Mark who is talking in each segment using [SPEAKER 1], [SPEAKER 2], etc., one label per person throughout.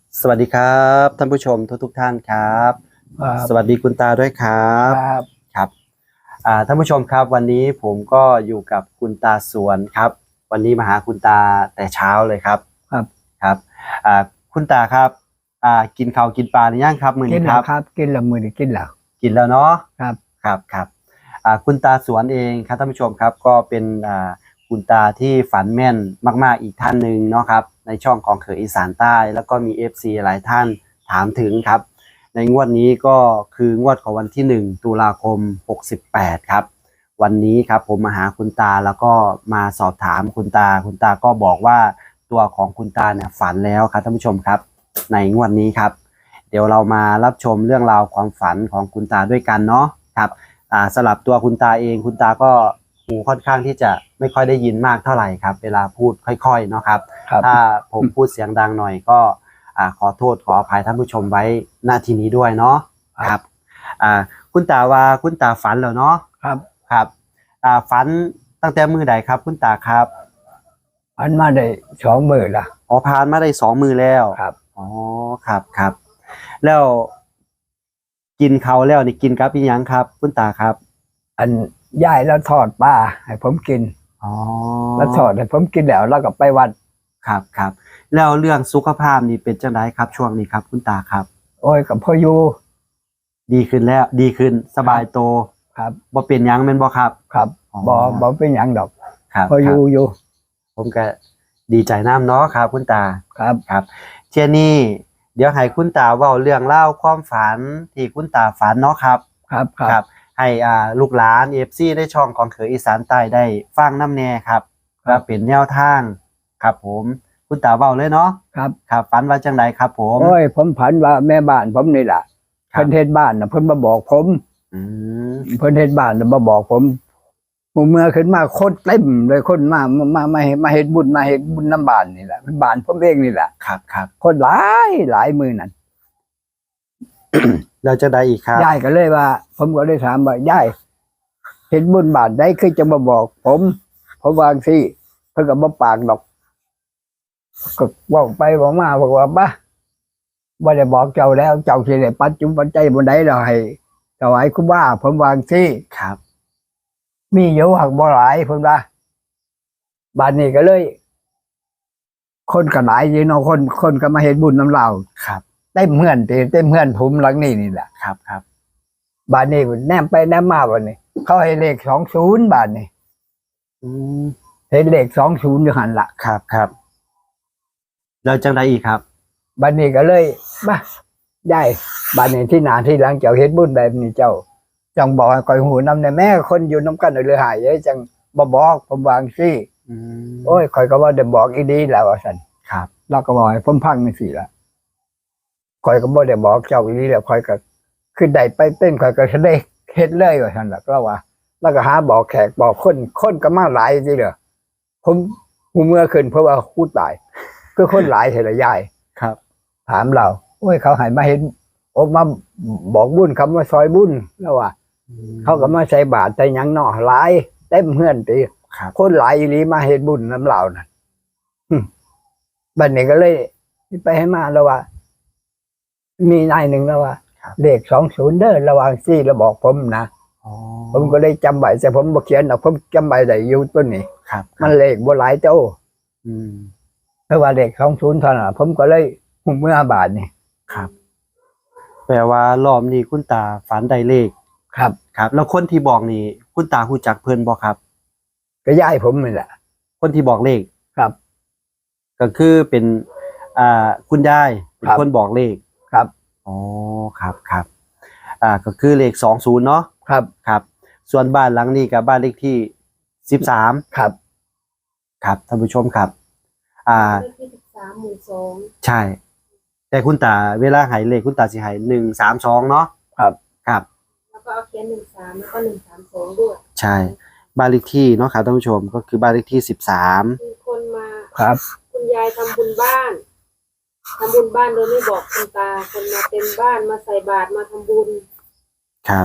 [SPEAKER 1] สวัสดีครับท่านผู้ชมทุกท่านครับสวัสดีคุณตาด้วยครับครับท่านผู้ชมครับวันนี้ผมก็อยู่กับคุณตาสวนครับวันนี้มาหาคุณตาแต่เช้าเลยครับครับคุณตาครับกินข้าวกินปลาหรือยังครับมื้อนี้ครับ
[SPEAKER 2] กินแล้วมื้อนี้กิน
[SPEAKER 1] แล้วเนาะ
[SPEAKER 2] ครับ
[SPEAKER 1] ครับคุณตาสวนเองครับท่านผู้ชมครับก็เป็นคุณตาที่ฝันแม่นมากๆอีกท่านหนึ่งเนาะครับในช่องของเขยอีสานใต้แล้วก็มี FC หลายท่านถามถึงครับในงวดนี้ก็คืองวดของวันที่1ตุลาคม68ครับวันนี้ครับผมมาหาคุณตาแล้วก็มาสอบถามคุณตาก็บอกว่าตัวของคุณตาเนี่ยฝันแล้วครับท่านผู้ชมครับในงวดนี้ครับเดี๋ยวเรามารับชมเรื่องราวความฝันของคุณตาด้วยกันเนาะครับสลับตัวคุณตาเองคุณตาก็หูค่อนข้างที่จะไม่ค่อยได้ยินมากเท่าไหร่ครับเวลาพูดค่อยๆเนาะครับถ้าผมพูดเสียงดังหน่อยก็ขอโทษขออภัยท่านผู้ชมไว้หน้าที่นี้ด้วยเนาะครับคุณตาว่าคุณตาฝันแล้วเนาะครับฝันตั้งแต่มื้อใดครับคุณตาครับ
[SPEAKER 2] ฝันมาได้2 มื้อละ
[SPEAKER 1] อ๋อผ่านมาได้2 มื้อแล้ว
[SPEAKER 2] ครับ
[SPEAKER 1] อ๋อครับแล้วกินเขาแล้วนี่กินกับอีหยังครับคุณตาครับ
[SPEAKER 2] อันยายแล้วทอดปลาให้ผมกิน
[SPEAKER 1] อ๋อ
[SPEAKER 2] แล้วทอดให้ผมกินแล้วก็ไปวัด
[SPEAKER 1] ครับแล้วเรื่องสุขภาพนี่เป็นจังไดครับช่วงนี้ครับคุณตาครับ
[SPEAKER 2] โอ้ยกับพ่ออยู่
[SPEAKER 1] ดีขึ้นแล้วดีขึ้นสบายโต
[SPEAKER 2] ครับ
[SPEAKER 1] บ่เป็นหยังแม่นบ่ครับ
[SPEAKER 2] บ่เป็นหยังดอก
[SPEAKER 1] ครับ
[SPEAKER 2] พ่ออยู่
[SPEAKER 1] ผมก็ดีใจน้ำเนาะครับคุณตา
[SPEAKER 2] ครับ
[SPEAKER 1] เที่ยนี้เดี๋ยวให้คุณตาเว้าเรื่องเล่าความฝันที่คุณตาฝันเนาะครับให้ลูกหลาน FC ได้ช่องของเขยอีสานใต้ได้ฟังน้ำแน่ครับว่าเป็นแนวทางครับผมคุณตาเว้าเลยเนาะครับฝันว่าจังไดครับผม
[SPEAKER 2] โอ้ยผมฝันว่าแม่บ้านผมนี่แหละเพิ่นเฮ็ดบ้านน่ะเพิ่นมาบอกผมเพิ่นเฮ็ดบ้านน่ะมาบอกผมเมื่อขึ้นมาคนเต็มเลยคนมาเฮ็ดบุญน้ำบ้านนี่แหละเป็นบ้านผมเองนี่แหละ
[SPEAKER 1] ครับ
[SPEAKER 2] คนหลายมือนั่น
[SPEAKER 1] เราจะได้อีกครับ
[SPEAKER 2] ยายก็เลยว่าผมก็เลยถามว่ายายเห็นบุญบาทได้คือจะมาบอกผมวางสิเพิ่นก็บ่ปากดอกก็บอกไปบอกมาบอกว่าบ้าบ่ได้บอกเจ้าแล้วเจ้าสิได้ปัจจุบันใจบ่ได้ดอกให้ถวายครูบาผมวางสิ
[SPEAKER 1] ครับ
[SPEAKER 2] มีอยู่หักบ่หลายเพิ่นว่าบ้านนี้ก็เลยคนก็หลายอยู่เนาะคนก็มาเฮ็ดบุญนำเรา
[SPEAKER 1] ครับ
[SPEAKER 2] เต็มเฮือนผมหลังนี้นี่แหละ
[SPEAKER 1] ครับ
[SPEAKER 2] บ้านนี้แนมไปแนมมาบ้านนี้เขาให้เลข20บ้านนี้เห็นเลข20อยู่หันละ
[SPEAKER 1] ครับแล้วจังไดอีกครับ
[SPEAKER 2] บ้านนี้ก็เลยมาได้บ้านนี้ที่หน้าที่หลังเจ้าเฮ็ดบุญแบบนี้เจ้าจังบอกให้คอยหูนำในแม่คนอยู่น้ำกันเลยหายจังบ่บอกผมวางซี่โอ้ยคอยก็ว่าได้บอกอีดีแล้วว่าซั่น
[SPEAKER 1] ครับ
[SPEAKER 2] เราก็บอกให้ผมพังจังซี่ล่ะคอยก็บ่ได้บอกเจ้าอีดีแล้วคอยก็คือได้ไปเต้นคอยก็ได้เฮ็ดเลยว่าซั่นล่ะก็ว่าแล้วก็หาบอกแขกบอกคนก็มาหลายสิเด้อผมหูเมื่อขึ้นเพราะว่าคูตายคือคนหลายเท่าละยาย
[SPEAKER 1] ครับ
[SPEAKER 2] ถามเราโอ้ยเขาให้มาเห็นออกมาบอกบุญคำว่าซอยบุญแล้วว่าเขาก็มาใส่บาตรใส่หยังเนาะหลายเต็มเฮือนติคนหลายอีหลีมาเฮ็ดบุญน้ำเราน่ะบัดนี้ก็เลยไปให้มาแล้วว่ามีนายหนึ่งแล้วว่าเลข20เด้อระหว่างซี่แล้วบอกผมนะผมก็เลยจำไว้แต่ผมบ่เขียนหรอกผมจำไว้ได้อยู่ต้นนี้มันเลขบ่หลายเจ้าเพราะว่าเลข20เท่านั้นผมก็เลยหุมเมื่อบาทนี่
[SPEAKER 1] ครับแปลว่ารอบนี้คุณตาฝันได้เลข
[SPEAKER 2] ครับ
[SPEAKER 1] แล้วคนที่บอกนี่คุณตารู้จักเพิ่นบ่ครับ
[SPEAKER 2] ก็ยายผมนี่แหละ
[SPEAKER 1] คนที่บอกเลข
[SPEAKER 2] ครับ
[SPEAKER 1] ก็คือเป็นคุณยายเป็นคนบอกเลข
[SPEAKER 2] ครับ
[SPEAKER 1] อ๋อครับก็คือเลข20เนาะครับส่วนบ้านหลังนี้กับบ้านเลขที่13
[SPEAKER 2] ครับ
[SPEAKER 1] ท่านผู้ชมครับ
[SPEAKER 3] เลขที่13หมู่2
[SPEAKER 1] ใช่แต่คุณตาเวลาให้เลขคุณตาสิให้132เนาะ
[SPEAKER 2] ครับ
[SPEAKER 3] แล้วก็เอาเขียน13แล้วก็132ด้วย
[SPEAKER 1] ใช่บ้านเลขที่เนาะครับท่านผู้ชมก็คือบ้านเลขที่13
[SPEAKER 3] มีคนมา
[SPEAKER 2] ครับ
[SPEAKER 3] คุณยายทำบุญบ้านโดยไม่บอกคุณตาคนมาเต็มบ้านมาใส่บาตรมาทำบุญ
[SPEAKER 1] ครับ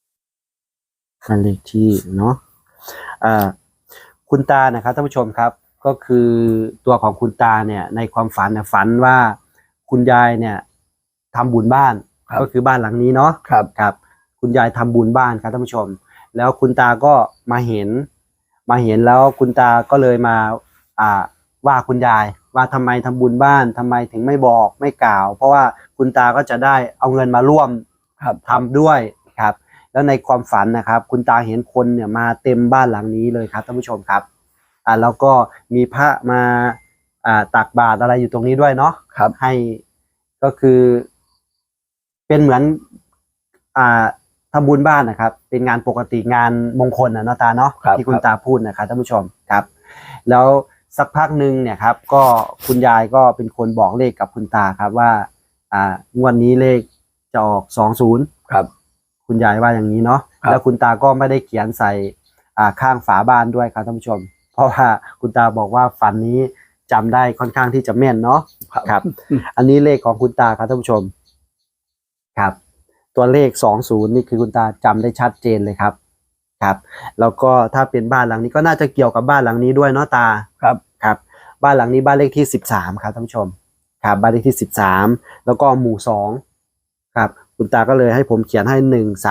[SPEAKER 1] บ้านเลขที่เนาะคุณตานะครับท่านผู้ชมครับก็คือตัวของคุณตาเนี่ยในความฝันเนี่ยฝันว่าคุณยายเนี่ยทำบุญบ้านก็คือบ้านหลังนี้เนาะ
[SPEAKER 2] ครับ
[SPEAKER 1] ครับคุณยายทำบุญบ้านครับท่านผู้ชม แล้วคุณตาก็มาเห็นแล้วคุณตาก็เลยมาว่าคุณยายว่าทำไมทำบุญบ้านทำไมถึงไม่บอกไม่กล่าว เพราะว่าคุณตาก็จะได้เอาเงินมาร่วม
[SPEAKER 2] ครับ
[SPEAKER 1] ทำด้วยครับ แล้วในความฝันนะครับคุณตาเห็นคนเนี่ยมาเต็มบ้านหลังนี้เลยครับท่านผู้ชมครับแล้วก็มีพระมาตักบาตรอะไรอยู่ตรงนี้ด้วยเนาะ
[SPEAKER 2] ครับ
[SPEAKER 1] ให้ก็คือเป็นเหมือนทำบุญบ้านนะครับเป็นงานปกติงานมงคลนะเนาะตาเนาะ
[SPEAKER 2] ครับ
[SPEAKER 1] ที่คุณตาพูดนะครับท่านผู้ชมครับ แล้วสักพักหนึ่งเนี่ยครับก็คุณยายก็เป็นคนบอกเลขกับคุณตาครับว่างวดนี้เลขจะออก20
[SPEAKER 2] ครับ
[SPEAKER 1] คุณยายว่าอย่างนี้เนาะ
[SPEAKER 2] ครับ
[SPEAKER 1] แล้วคุณตาก็ไม่ได้เขียนใส่ข้างฝาบ้านด้วยครับท่านผู้ชม เพราะว่าคุณตาบอกว่าฝันนี้จำได้ค่อนข้างที่จะแม่นเนาะครับ อันนี้เลขของคุณตาครับท่านผู้ชมครับ ตัวเลข20นี่คือคุณตาจำได้ชัดเจนเลยครับครับ แล้วก็ถ้าเป็นบ้านหลังนี้ก็น่าจะเกี่ยวกับบ้านหลังนี้ด้วยเนาะตา
[SPEAKER 2] ครับ
[SPEAKER 1] ครับ บ้านหลังนี้บ้านเลขที่13ครับท่านผู้ชมครับบ้านเลขที่13แล้วก็หมู่2ครับคุณตาก็เลยให้ผมเขียนให้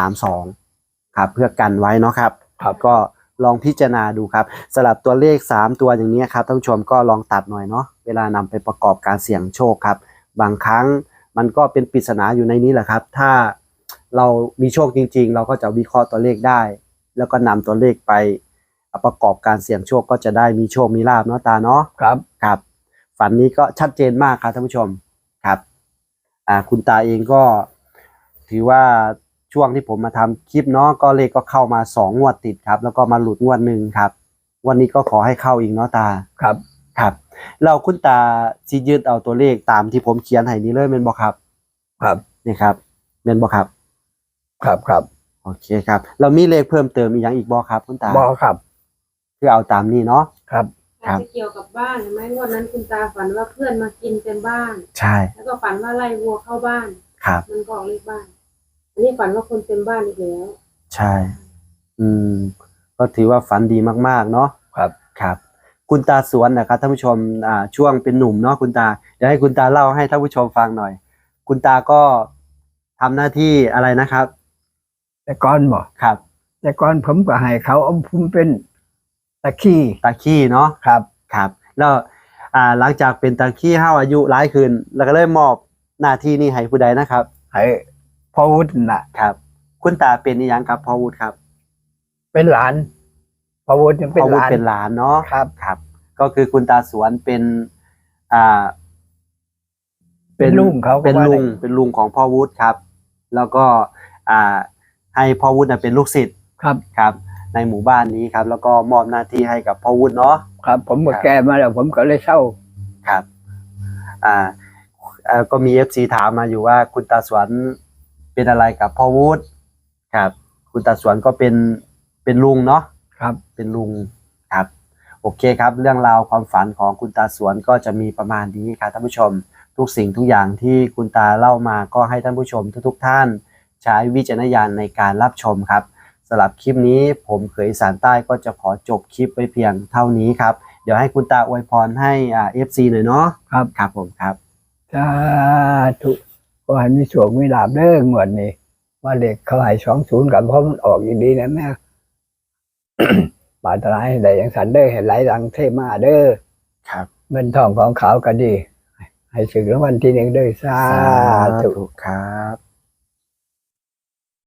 [SPEAKER 1] 132ครับเพื่อกันไว้เนาะครับ
[SPEAKER 2] ครับ
[SPEAKER 1] ก็ลองพิจารณาดูครับสลับตัวเลข3ตัวอย่างนี้ครับท่านผู้ชมก็ลองตัดหน่อยเนาะเวลานำไปประกอบการเสี่ยงโชคครับบางครั้งมันก็เป็นปริศนาอยู่ในนี้แหละครับถ้าเรามีโชคจริงๆเราก็จะวิเคราะห์ตัวเลขได้ แล้วก็นำตัวเลขไปประกอบการเสี่ยงโชคก็จะได้มีโชคมีลาภเนาะตาเนาะ
[SPEAKER 2] ครับ
[SPEAKER 1] ครับฝันนี้ก็ชัดเจนมากครับท่านผู้ชมครับคุณตาเองก็ถือว่าช่วงที่ผมมาทำคลิปเนาะก็เลขก็เข้ามา2 งวดติดครับแล้วก็มาหลุดงวดหนึ่งครับวันนี้ก็ขอให้เข้าอีกเนาะตา
[SPEAKER 2] ครับ
[SPEAKER 1] ครับเราคุณตาสิยึดเอาตัวเลขตามที่ผมเขียนให้นี้เลยเป็นบ่ครับ
[SPEAKER 2] ครับ
[SPEAKER 1] นี่ครับเป็นบ่ครับ
[SPEAKER 2] ครับ ครับ
[SPEAKER 1] โอเคครับเรามีเลขเพิ่มเติมอีกอย่างอีกบ่ครับคุณตา
[SPEAKER 2] บอครับ
[SPEAKER 1] คือเอาตามนี้เนาะ
[SPEAKER 2] ครับ
[SPEAKER 1] ครั
[SPEAKER 3] อา
[SPEAKER 1] บ
[SPEAKER 3] จจะเกี่ยวกับบ้านเห็นไหมวันนั้นคุณตาฝันว่าเพื่อนมากินเต็มบ้าน
[SPEAKER 1] ใช่
[SPEAKER 3] แล้วก็ฝันว่าไล่วัวเข้าบ้าน
[SPEAKER 1] ครับ
[SPEAKER 3] มันก็ออกเลขบ้าน อันนี้ฝันว่าคนเต็มบ้านอีกแล้ว
[SPEAKER 1] ใช่ ก็ถือว่าฝันดีมากๆเนาะ
[SPEAKER 2] ครับ
[SPEAKER 1] ครับ คุณตาสวนนะครับท่านผู้ชมช่วงเป็นหนุ่มเนาะคุณตาเดี๋ยวให้คุณตาเล่าให้ท่านผู้ชมฟังหน่อย คุณตาก็ทำหน้าที่อะไรนะครับ
[SPEAKER 2] แต่ก่อนบอก
[SPEAKER 1] ครับ
[SPEAKER 2] แต่ก่อนผมก็ให้เขาเอาผมเป็นตะขี้
[SPEAKER 1] ตาขี้เนาะ
[SPEAKER 2] ครับ
[SPEAKER 1] ครับแล้วหลังจากเป็นตาขี้ห้าอายุหลายขึ้นแล้วก็เลยมอบหน้าที่นี้ให้ผู้ใดนะครับ
[SPEAKER 2] ให้พ่อวุฒิน่ะ
[SPEAKER 1] ครับ คุณตาเป็นอีหยังครับพ่อวุฒิครับ
[SPEAKER 2] เป็นหลานพ่อวุฒิยังเป็น
[SPEAKER 1] พ่อ
[SPEAKER 2] ห
[SPEAKER 1] วุฒิ
[SPEAKER 2] ลาน
[SPEAKER 1] เป็นหลานเนาะ
[SPEAKER 2] ครับ
[SPEAKER 1] ครับ ก็คือคุณตาสวนเป็น
[SPEAKER 2] เป็นลุงเขาก็
[SPEAKER 1] เป็น
[SPEAKER 2] ว่า
[SPEAKER 1] ลุง
[SPEAKER 2] ได้
[SPEAKER 1] เป็นลุงของพ่อวุฒิครับ แล้วก็ให้พ่อวุฒิเป็นลูกศิษย์
[SPEAKER 2] ครับ
[SPEAKER 1] ครับ ในหมู่บ้านนี้ครับ แล้วก็มอบหน้าที่ให้กับพ่อวุฒิเนาะ
[SPEAKER 2] ครับ ผมก็
[SPEAKER 1] ครับ
[SPEAKER 2] แก่มาแล้ว ผมก็เลยเศร้า
[SPEAKER 1] ครับก็มี FC ถามมาอยู่ว่าคุณตาสวนเป็นอะไรกับพ่อวุฒิครับ คุณตาสวนก็เป็นลุงเนาะ
[SPEAKER 2] ครับ
[SPEAKER 1] เป็นลุงครับโอเคครับเรื่องราวความฝันของคุณตาสวนก็จะมีประมาณนี้ครับท่านผู้ชมทุกสิ่งทุกอย่างที่คุณตาเล่ามาก็ให้ท่านผู้ชมทุกท่านใช้วิจารณญาณในการรับชมครับสำหรับคลิปนี้ผมเขยอีสานใต้ก็จะขอจบคลิปไว้เพียงเท่านี้ครับเดี๋ยวให้คุณตาอวยพรให้FC หน่อยเนาะ
[SPEAKER 2] ครับ
[SPEAKER 1] ครับผมครับ
[SPEAKER 2] สาธุก็ให้มีโชคมีลาภเด้องวดนี้ว่าเด็กเขาให้20กับเพราะมันออกอย่างดีนะแม่ บาตรายให้ได้อย่างสันเด้อให้ไหลหลังเทมาเด้อ
[SPEAKER 1] ครับ
[SPEAKER 2] เงินทองของเขาก็ดี ให้ถึงรางวัลที่ 1เด้อสาธุ
[SPEAKER 1] ครับ